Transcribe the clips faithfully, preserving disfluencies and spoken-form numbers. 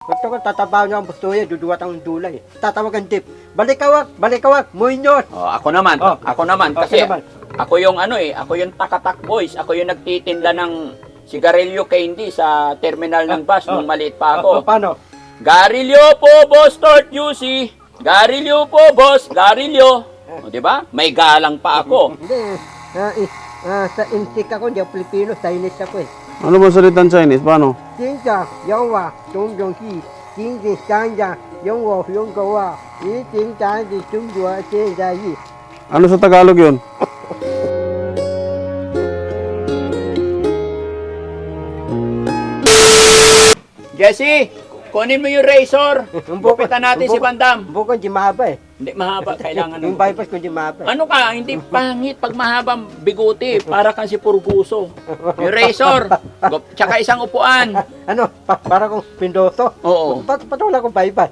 Gusto ko tatabaw niyo ang bustoya, duduwat ang dulay. Tatawagan tip. Balikawak, balikawak, Muñoz. Oh, ako naman, Oh. ako naman Ako kasi naman. ako yung ano eh, ako yung Takatak Boys, ako yung nagtitinda ng sigarilyo candy sa terminal ng bus Oh. nung maliit pa Oh, ako. paano? Garilyo po, boss, Tort Juicy. Garilyo po, boss, garilyo. O, di ba? May galang pa ako. Hindi. Ah, eh, ah, sa insik ako, hindi ako Pilipino, Chinese ako eh. Ano ba salitang Chinese? Paano? 金家有我种种地，金金相家有我有狗啊，一金家的中国现在一。 Ano sa Tagalog yun? Jesse, kunin mo yung razor. Gupitan natin si Bandam. Bukan di mahaba eh. Hindi mahaba, kailangan ng... Yung bypass ko di mahaba. Ano ka, hindi pangit pag mahabang biguti, para kang si Purguso. Yung razor, gup- tsaka isang upuan. Ano, pa, para kong pindoso. Oo. Pat patula kong bypass.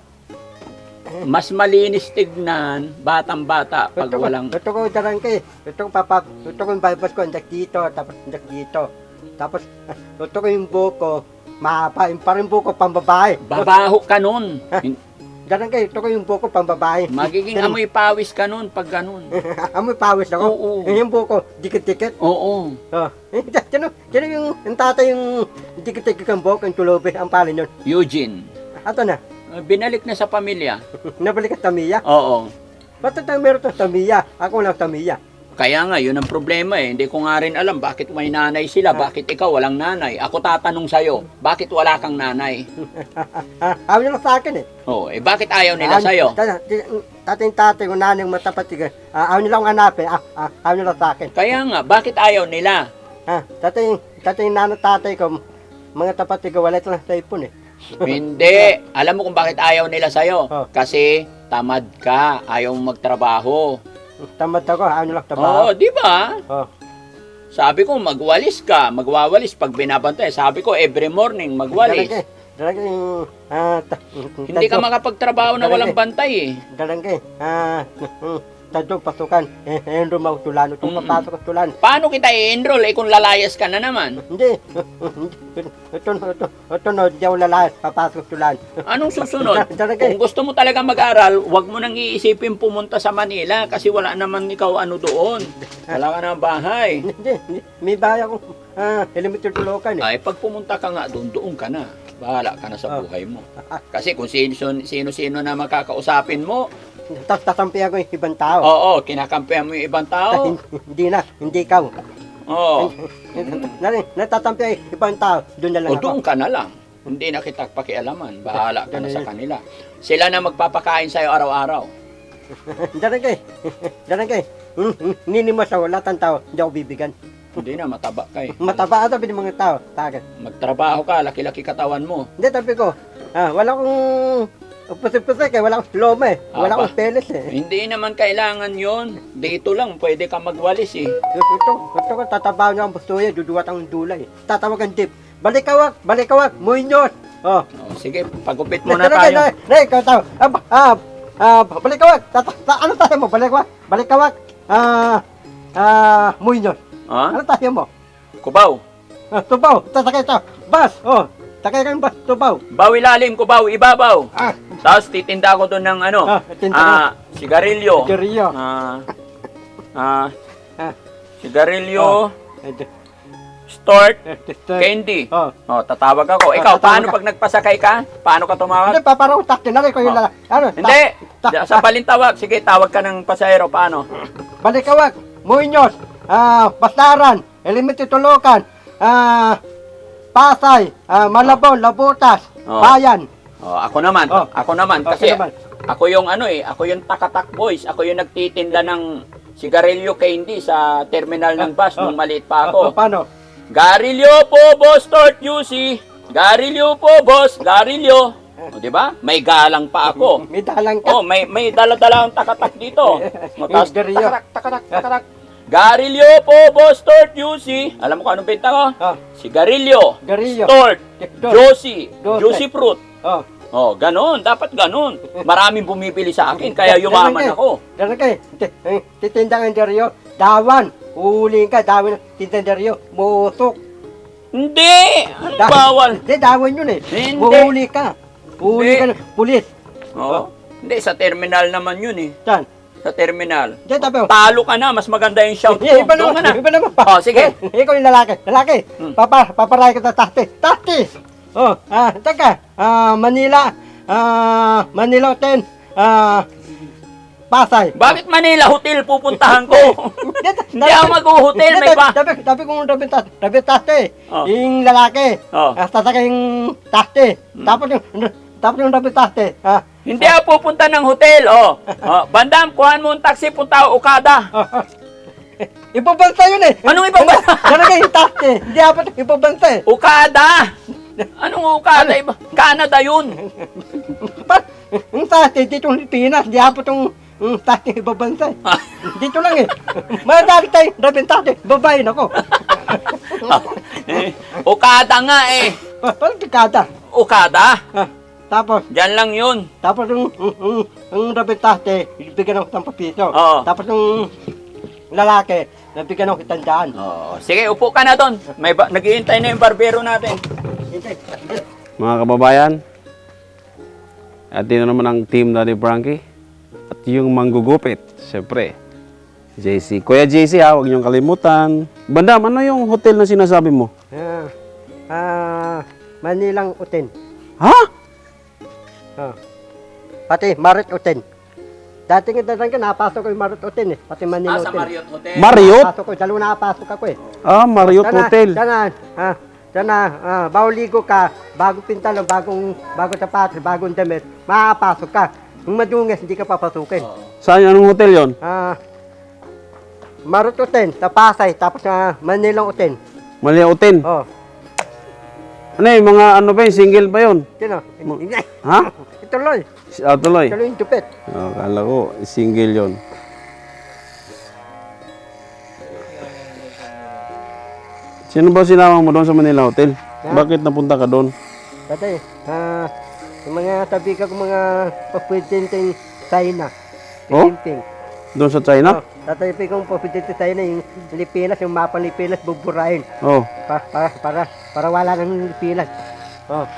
Mas malinis tignan, batang-bata, pag Ito ko, walang... ito ko darang kay. Ito ko papa, ito ko yung bypass ko andak dito, tapos andak dito. Tapos ito ko yung buko, mahaba, yung parang buko pambabae. Babaho ka nun. Darang kay, ito ko yung buko pambabae. Magiging amoy pawis ka nun pag ganun. Amoy pawis ako. Oo. Yung buko, dikit-dikit. Oo. Oh, eh, sino, sino yung, yung tatay yung dikit-dikit ang buhok, ang tulobe, ang palin yun. Eugene, Ato na, binalik na sa pamilya. nabalik ka Tamiya. Oo. Ba't ito meron to Tamiya? Ako lang Tamiya. Kaya nga, yun ang problema eh. Hindi ko nga rin alam bakit may nanay sila, bakit ikaw walang nanay. Ako tatanong sa'yo, bakit wala kang nanay? Ayaw nila sa akin eh. Oo, eh bakit ayaw nila sa'yo? Tatay tatay ko nanay yung matapat sige. Ayaw nila akong hanapin. Ah, ah, ayaw nila sa akin. Kaya nga, bakit ayaw nila? Ah, tatay, tatay nanay tatay ko, mga tapat ko, wala ito lang sa ipon eh. Hindi. Alam mo kung bakit ayaw nila sa'yo? Oh. Kasi tamad ka, ayaw mong magtrabaho. Tamad ako, ayaw nila Oo, trabaho. di ba? Oh. Sabi ko, magwalis ka. Magwawalis pag binabantay. Sabi ko, every morning, magwalis. Dalagay, dalagay yung, ah, ta- Hindi ka tadyo- makapagtrabaho na walang bantay eh. Dalagay, ah, tadyo pasukan, eh, eh, rumaw tulan, itong Mm-mm. papasok at tulan. Paano kita i-enroll eh kung lalayas ka na naman? Hindi, ito, ito, ito, no, di ako lalayas, papasok at tulan. Anong susunod? Dalagay, Kung gusto mo talaga mag-aral, huwag mo nang iisipin pumunta sa Manila kasi wala naman ikaw ano doon. Wala ka na bahay. hindi, hindi, may bahay akong, ah, elementary tulokan eh. Ay, pag pumunta ka nga doon, doon ka na. Bahala ka na sa buhay mo. Kasi kung sino- sino-sino na makakausapin mo, Tapos tatampi ako yung ibang tao. oo, kinakampihan mo yung ibang tao. Hindi na, hindi ikaw. Oo. Nari, natatampi ay ibang tao, doon na lang O ako. doon ka na lang. Hindi na kita pakialaman. Bahala ka na sa kanila. Sila na magpapakain sa'yo araw-araw. Darangay, darangay, ninimos ako, lahat ng tao, hindi ako bibigan. Hindi na, mataba ka eh. Mataba ata pwede mga tao, tagad. Magtrabaho ka, laki-laki katawan mo. Hindi, tabi ko, ah, wala akong pusik-pusik eh, wala akong loma eh, wala Aba. akong peles eh. Hindi naman kailangan yon. Dito lang, pwede ka magwalis eh. Ito, ito ko, tatabaw niyo ang bustoya, duduwat ang dulay. Tatawagan tip, balikawak, balikawak, Muñoz. Oh. O, sige, pagupit muna Darangay, tayo. na, ikaw tao, ah, ba- ah, ah, balikawak, tata, ta, ano tayo mo, balikawak, balikawak, ah, ah, Muñoz. Ha? Ano tayo mo? Kubaw. Ah, tubaw, tasakay tayo, bas, oh, takay kang bas, tubaw. Baw ilalim, kubaw, ibabaw. Ah, Tapos titinda ko doon ng ano, ah, tinta ah, sigarilyo. Sigarilyo. Ah, ah, Ah. sigarilyo, Eh, di- start, eh, di- di- candy. Oh. Oh, tatawag ako. Ikaw, tatawag paano ka. pag nagpasakay ka? Paano ka tumawag? Hindi, paparang takti na rin ko yung Oh. lala. Ano? Hindi. Ta- ta- Sa balintawag. Sige, tawag ka ng pasahero. Paano? Balikawak, Muñoz, ah, Bastaran, Elementary Tulukan, ah, Pasay, ah, Malabon, Labutas, Oh. Bayan. Oh, ako naman. Oh. Ako naman. Oh, Kasi sino naman? ako yung ano eh. Ako yung Takatak Boys. Ako yung nagtitinda ng sigarilyo candy sa terminal ng bus Oh. nung maliit pa Oh, ako. paano? Garilyo po, boss, Tort Juicy. Garilyo po, boss. Garilyo. O, di ba? May galang pa ako. May dalang ka. Oh, may may dala-dala ang takatak dito. O, tapos, Garilyo. takatak, takatak, takatak. Garilyo po, boss, Tort Juicy. Alam mo kung anong benta ko? Oh, Sigarilyo, Garilyo. Tort, Tort. Juicy, Juicy. Juicy Fruit. Oh. Oh, ganon. Dapat ganon. Maraming bumibili sa akin, kaya yumaman ako. Dalang ka eh. Ti- eh, Titindang interior, dawan. Uling ka, dawan ng tintinderyo. Mutok. Hindi! Ano Da- bawal? Hindi, dawan yun eh. Hindi. Uhuli ka. Uli ka ng pulis. Oo. Hindi, sa terminal naman yun eh. Saan? Sa terminal. Diyan tabi. Talo ka na, mas maganda yung shout mo. Eh, iba Doon ka naman, na. iba naman. Oh, sige. Eh, ikaw yung lalaki. Lalaki. Hmm. Papa, paparay ka sa tasti. Tasti! Oh, ah, teka. Ah, Manila. Ah, Manila ten. Ah, Pasay. Bakit Manila Hotel pupuntahan ko? Hindi ako mag-hotel, may pa. Tabi, tabi kong tabi tasti. Tabi tasti. Oh. Yung lalaki. Oh. Ah, sasakay yung tasti. Tapos yung, tapos yung tabi tasti. Ah, Hindi ako pupunta ng hotel, oh. oh Bandam, kuhaan mo ang taxi, punta ako Okada. ah, ah. Ipabansa yun eh. Anong ipabansa? Talaga yung tasti. Hindi dapat ipabansa eh. Okada! Anong Okada? Iba? Canada yun. Pa, yung tasti dito ng Pilipinas, di apo itong yung tasti ibabansa eh. Dito lang eh. Madali tayo, rabing tasti, babae na ko. Eh, Okada nga eh. Parang tikada. Okada? Ah, tapos, Diyan lang yun. tapos yung, yung, yung, yung rabing tasti, bigyan ako ng piso. Oo. Tapos yung lalaki, nabigyan ako kitang daan. Oh, sige, upo ka na doon. May ba- naghihintay na yung barbero natin. Hindi, hindi. Mga kababayan, at yun na naman ang team Daddy Frankie. At yung manggugupit, syempre, J C. Kuya J C ha, huwag niyong kalimutan. Bandam, ano yung hotel na sinasabi mo? Ah, ah, Manilang Uten. Ha? Ah. Pati Marit Uten. Dati nga dadan ka, napasok ko yung Marit Uten eh. Pati Manila Ah, sa Uten. Marriott Hotel. Marriott? Napasok ko, dalawa nakapasok ako eh. Ah, Marriott Sana, Hotel. Sana, ah, sana, ah, bago ligo ka, bago pintalon, bagong, bagong sapatos, bagong damit, makapasok ka. Kung madungis, hindi ka papasukin. Saan, anong hotel yon? Ah, Marit Uten, sa Pasay, tapos na Manilang Uten. Malia Hotel. Oh, Ano yung mga ano ba yun? Single ba yun? sino? Ha? Ituloy, Ah, tuloy. ituloy yung tupit. Oh, kala ko, single yon. Sino ba sinama mo doon sa Manila Hotel? Ha? Bakit napunta ka doon? Dati, ah, yung mga tabi ka kung mga papwedenteng China. Oh? Pilimping. Doon sa China? Oh, tatabi kong papwedente China, yung Pilipinas, yung mapa ng Pilipinas, buburahin. Oh. Pa, para, para, para wala ng Pilipinas. Oh,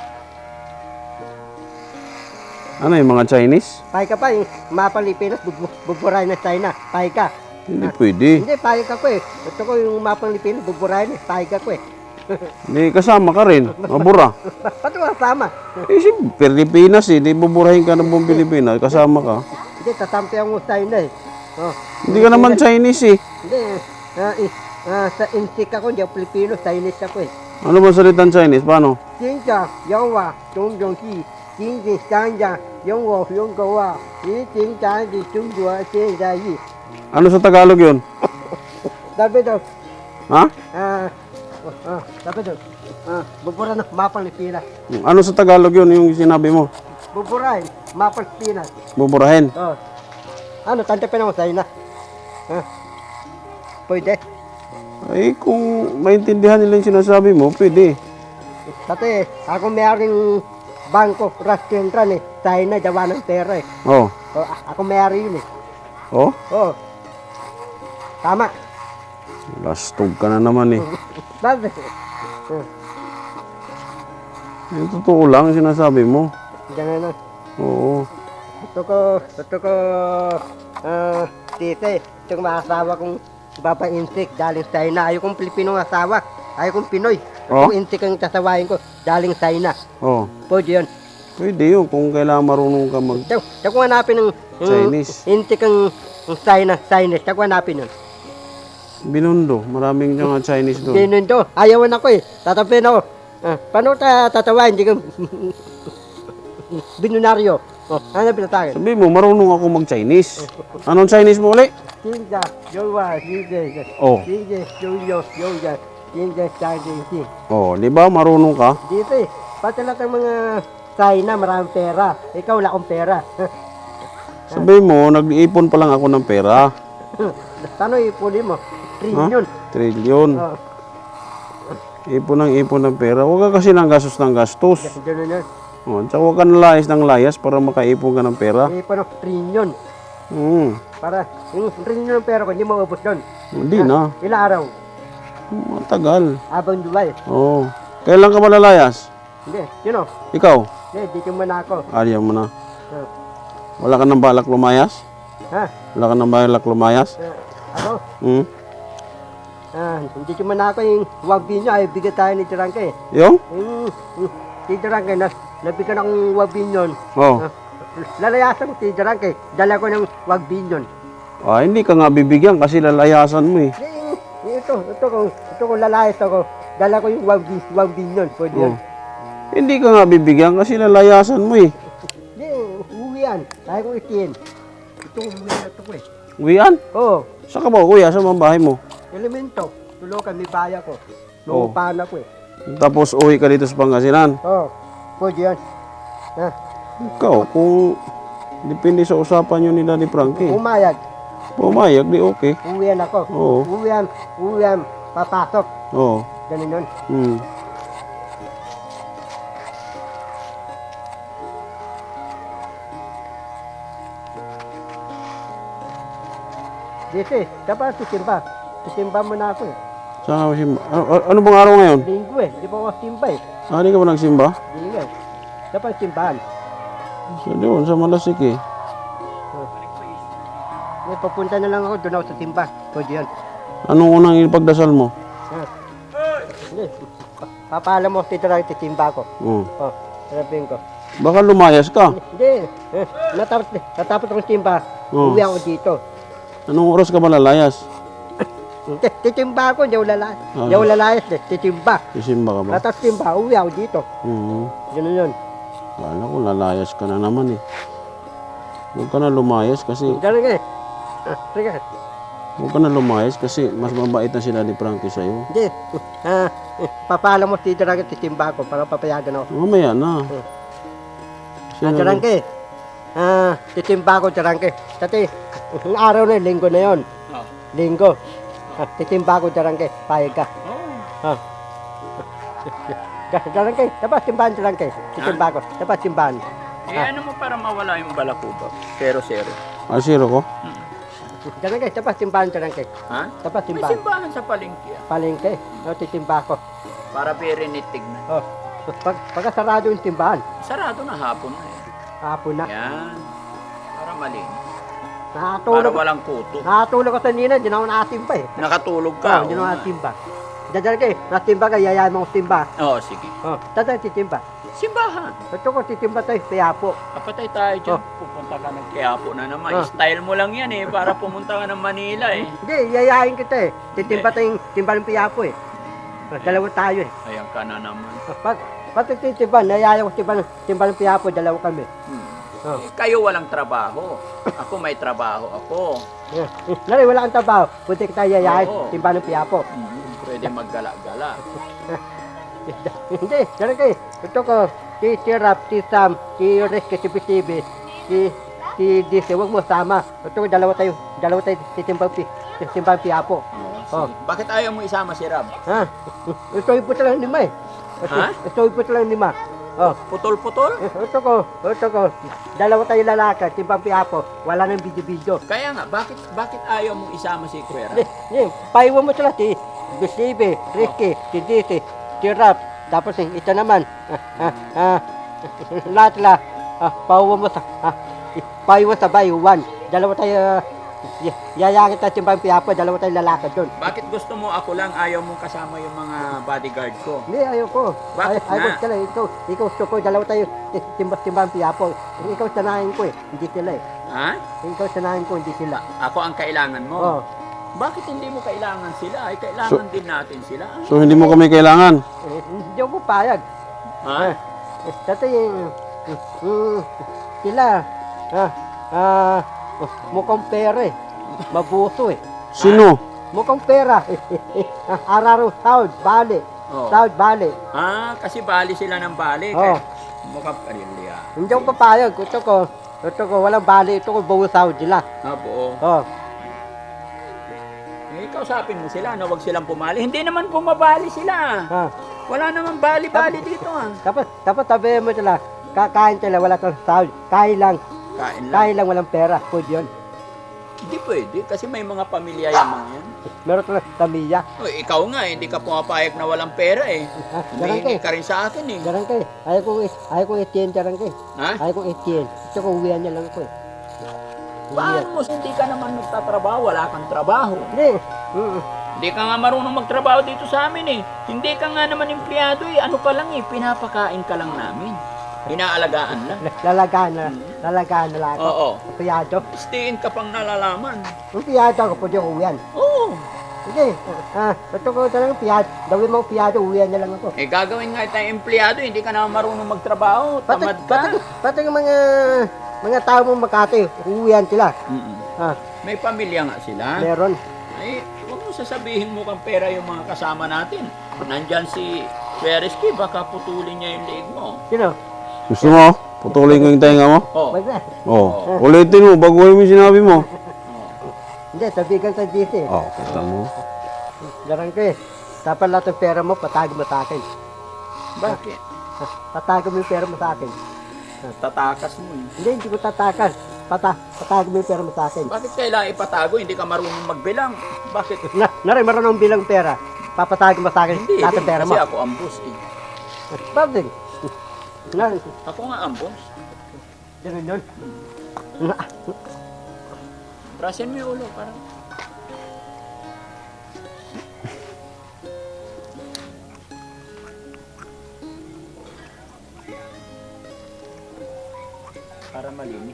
Ano yung mga Chinese? pahay ka pa, yung mapa ng Pilipinas, bubu- buburahin ng China. Pahay ka. Hindi pwede. Hindi, pahay ka ko eh. Gusto ko yung mapa ng Pilipinas, buburahin eh. Pahay ka ko eh. Hindi kasama ka rin. Mabura. Pati kasama. Eh, si Pilipinas eh. Di buburahin ka ng buong Pilipinas. Kasama ka. Hindi, tatampi ang China eh. Oh, Hindi ka naman Chinese eh. hindi, ah, eh, ah, sa insik ako, hindi ako Pilipino, Chinese ako eh. Ano ba salitan Chinese? Paano? 金家有话种种地，金金三家有我用狗啊，一金家的中国现在一， Ano sa Tagalog yun? sabi daw, Ha? ah, ah, sabi daw, ah, bubura na, mapang Pilipinas. Ano sa Tagalog yun yung sinabi mo? Buburahin, mapang Pilipinas. Buburahin. Oh. Ano, tantapin ako sa'yo na. Ah, pwede. Ay, kung maintindihan nila yung sinasabi mo, pwede. Dati, ako mayroong bangko, restaurant eh, China, jawa ng pera eh. Oh. Oh, a- ako mayroon yun eh. Oh? Oh, tama. Lastog ka na naman eh. Bakit? Ah, Eh, totoo lang yung sinasabi mo. ganun na. Oo. Gusto ko, gusto ko, ah, tite, gusto ko maasawa kong babainsik galing China. Ayaw kong Pilipinong asawa. Ayaw kong Pinoy. Oh? Kung insik ang sasawain ko, galing China. Oh. Pwede yun. Pwede yun kung kailangan marunong ka mag... Tiyo, tiyo kong hanapin ng ng Chinese. insik ang ang China, Chinese. Tiyo kong hanapin yun. Binundo. Maraming mga Chinese doon. Ganun to. Ayawan ako eh. Tatapin ako. Ah, paano ta tatawain? Hindi ko binunaryo. Oh, ano pinatagin? Sabi mo, marunong ako mag-Chinese. Anong Chinese mo ulit? Jinja, Yowa, Jinja, Oh. Jinja, Yoyo, Yoya, Jinja, Jinja, Oh, di ba marunong ka? Dito eh, pati lahat ng mga China, maraming pera. Ikaw wala akong pera. Sabi mo, nag-iipon pa lang ako ng pera. Saan ipunin mo? Trillion. Trilyon. Oh, Ipon ng ipon ng pera. Huwag ka kasi ng gastos ng gastos. ganun yun. Oh, tsaka huwag ka nalayas ng layas para makaipon ka ng pera. Ipon ng trillion. Hmm. Para, yung trillion ng pera ko, hindi maubos doon. Hindi na. Ilang araw? Matagal. Abang July. Oh. Kailan ka malalayas? Hindi, yun o. Ikaw? Hindi, dito muna ako. Ayaw mo na. Ah, Wala ka nang balak lumayas? ha? Wala ka nang balak lumayas? Ah, ako? Hmm? Ah, dito muna ako yung wabi niya. Ay, bigyan tayo ni Tirangke. Yung? Yung, yung, si Tirangke, nas, nabigyan akong wabi yun. Oh. Ah, lalayasan ko si Tirangke. Dala ko ng wabi yun. Ah, hindi ka nga bibigyan kasi lalayasan mo eh. Yung, yung ito, ito ko, ito ko lalayas ako. Dala ko yung wabi, wabi yun. Pwede Oh. yun. Hindi ka nga bibigyan kasi lalayasan mo eh. Hindi, uwi yan. Kaya ko itiin. Ito, uwi na ito ko eh. Uwian? Oo. Saan ka ba kuya? Saan ang bahay mo? Elemento. Tulokan, may baya ko. Oh. Lupahan ako eh. Tapos uwi ka dito sa Pangasinan. Oo. Pwede yan. Ha? Ikaw, kung depende sa usapan nyo ni Daddy Frankie. Umayag. Pumayag, di okay. Uwian ako. Oo. Uwian. Uwian. Papasok. Oo. Ganun yun. Hmm. Dito eh. Dapat sisimba. Sisimba mo na ako eh. Saan ka masimba? Ano, ano bang araw ngayon? Linggo eh. Di ba ako simba eh. Ah, di ka ba nagsimba? Linggo eh. Dapat simbahan. Sa doon, sa Malasik eh. Eh, papunta na lang ako. Doon ako sa simba. Pwede yan. Anong unang ipagdasal mo? Ha? Hindi. Pa- Papaalam mo. Dito lang sisimba ko. Oh. Oh. Sabihin ko. Baka lumayas ka. Hindi. Eh, natapos, natapos akong simba. Oo. Uwi ako dito. Anong oras ka ba lalayas? Hindi, titimba ako. Hindi ako lalayas. Ah. Hindi ako lalayas eh. Titimba. Isimba ka ba? Natapos timba. Uwi ako dito. Hmm. Ganun yun. Kala ko lalayas ka na naman eh. Huwag ka na lumayas kasi Ganun ka eh. Ah, sige. huwag ka na lumayas kasi mas mabait na si Daddy Frankie sa'yo. Hindi. Ah, eh, papaalam mo dito lang titimba ako para papayagan ako. Mamaya na. Ah, Jarangke. Ah, titimba ako, Jarangke. Dati, ang araw na yun, linggo na yun. Oh. Linggo. Ah, titimba ako, Jarangke. Payag ka. Oh. Ah. Jarangke, dapat simbahan, Jarangke. Titimba ako. Dapat simbahan. Eh, ano mo para mawala yung balakubak? Zero, zero. Ah, zero ko? Jarangke, dapat simbahan, Jarangke. Ha? Dapat May simbahan. simbahan sa palengke. ah. Palengke. Oh, titimba ako. Para perinet tignan. Oh. Pag, pagkasarado yung timbahan, Sarado na hapon na eh. hapon na. Yan. Para malinis. Para Nakatulog. walang kuto. Nakatulog ko sa nina, hindi na ako nakatimba eh. Nakatulog Oo, ka. hindi na ako oo nga. nakatimba. Dadal kayo, natimba ka, yayaman ko timba. Oo, sige. Oh, dadal titimba. Simbahan. Ito ko titimba tayo, piyapo. Kapatay tayo dyan. Oh. Pupunta ka ng Quiapo na naman. Oh. Style mo lang yan eh. Para pumunta ka ng Manila eh. Hindi, yayain kita eh. Titimba tayong timba ng piyapo eh. Oh, dalawa tayo eh. Ayan ka na naman. Oh, pag, pag titimba, nayayain ko timba, ng- timba ng piyapo, dalawa kami. Hmm. Oh. Eh, kayo walang trabaho. Ako may trabaho ako. Eh, Lari, wala kang trabaho. Pwede kita yayain, Oo. timba ng piyapo. Hmm. Pwede maggala-gala. Hindi, dala kayo. Ito ko, si, si Rap, si Sam, si Reske, si Bisibi, si, si Dise, huwag mo sama. Ito ko, dalawa tayo, dalawa tayo, si Timbang, Pi- si Timbang Piapo. Oh, sige. Bakit ayaw mo isama si Rab? Ha? Ito yung puto lang lima eh. Ito, Ha? ito yung puto lang lima. Oh, Putol-putol? eh, ito ko, ito ko, dalawa tayo lalaki, Timbang Piapo, wala nang video-video. Kaya nga, bakit bakit ayaw mo isama si Kuya Rab? Hindi, hindi, paiwan mo sila, si Bisibi, Reske, si Dise, si Rap, tapos eh, ito naman, ah, ah, ah, lahat la, ah, pauwa mo sa, ah, paiwan sa bayuan. Dalawa tayo, ah, y- yayakit tayo Timbang Piapo, dalawa tayo lalaki doon. Bakit gusto mo ako lang, ayaw mong kasama yung mga bodyguard ko? Hindi, ayoko. Bakit Ay, ayoko nga? sila, ikaw, ikaw gusto ko, dalawa tayo, ti- timbang timbang Piapo. Ikaw sanahin ko eh, hindi sila eh. Ha? Ikaw sanahin ko, hindi sila. Ako ang kailangan mo? Oh. Bakit hindi mo kailangan sila? Ay, kailangan din natin sila. So hindi mo kami kailangan? Eh, hindi ako payag. Ha? Eh, eh, dati, eh, mm, sila, ah, ah, mukhang pera eh. Mabuso eh. Sino? Mukhang pera. Ah, Araro, South, Bali. Oh. South, Bali. Ah, kasi bali sila ng bali. Oh. Kaya, mukha parilya. Hindi ako papayag. Ito ko, ito ko, walang Bali. Ito ko, buo South sila. Ah, buo. Oh. Eh, kausapin mo sila na wag silang pumali. Hindi naman bumabali sila. Ah. Wala naman bali-bali dito ah. Tapos, tapos sabihin mo sila, kakain sila, wala kang sahod. Kain lang, Kain lang. kain lang, walang pera. Pwede yun. Hindi pwede kasi may mga pamilya yung mga yan. Meron ka lang pamilya. O, ikaw nga, hindi ka pumapayag na walang pera eh. Ah, Humihingi Jarangke. ka rin sa akin eh. Jarangke. Ayaw kong, ayaw kong etiyen, Jarangke. Ha? Ayaw kong etiyen. Ito ko uwihan niya lang ako eh. Paano mo? Hindi ka naman nagtatrabaho, wala kang trabaho. Hindi. Mm. Hindi ka nga marunong magtrabaho dito sa amin eh. Hindi ka nga naman empleyado eh. Ano pa lang eh, pinapakain ka lang namin. Inaalagaan lang. Lalagaan na, lalagaan na lang ako. Oo. Piyado. Stiin ka pang nalalaman. Yung piyado ako, pwede ko uwihan. Oo. Sige. Ah, ito ko talagang piyado. Gawin mo piyado, uwihan na lang ako. Eh gagawin nga tayong empleyado, hindi ka naman marunong magtrabaho. Pati, Tamad ka. pati, pati yung mga, mga tao mong Makati, uwihan sila. Mm-mm. Ah, May pamilya nga sila. meron. Ay, huwag mo sasabihin mo kang pera yung mga kasama natin. Nandyan si Pereski, baka putulin niya yung leeg mo. Sino? Gusto mo? Putulin ko yung tenga mo? Oh. Wag na. Oh, ulitin mo, baguhin mo yung sinabi mo. Hindi, sabihin sa G C. Oh, kita mo. Jarangke. Dapat lahat ng pera mo, patag mo sa akin. Bakit? Ah, Tatag mo yung pera mo sa akin. Tatakas mo eh. Hindi, hindi ko tatakan. Pata, patag mo yung pera mo sa akin. Bakit kailangan ipatago? Hindi ka marunong magbilang. Bakit? Na, narin, marunong bilang pera. Papatag mo sa akin Hindi, lahat ng hindi. pera mo. Kasi ako ang boss eh. Pwede. Narin, Ako nga ang boss. ganun yun. Na- Brasin mo yung ulo, parang. Para malinis.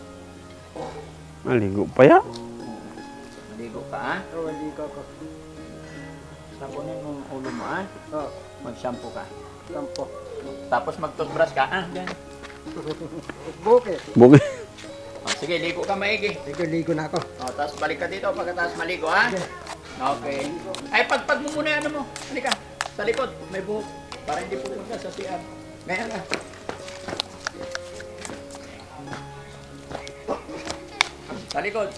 Maligo pa ya? Maligo ka, ha? Oo, hindi ko ako. Sabunin mo ang ulo mo, ha? Oo, Mag-shampoo ka. tampo. Tapos mag-toothbrush ka, ah, ganyan. Bukit. Bukit. Oh, sige, ligo ka maigi. Ligo-ligo na ako. Oh, tapos balik ka dito pagkatapos maligo, ha? Okay. Ay, pagpag mo muna yung ano mo. Halika, sa likod, may buhok. Para hindi pupunta sa C R. Ganyan ka. Sa likod.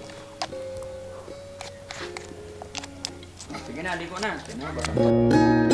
Sige na, ligo na. Sige na, baka-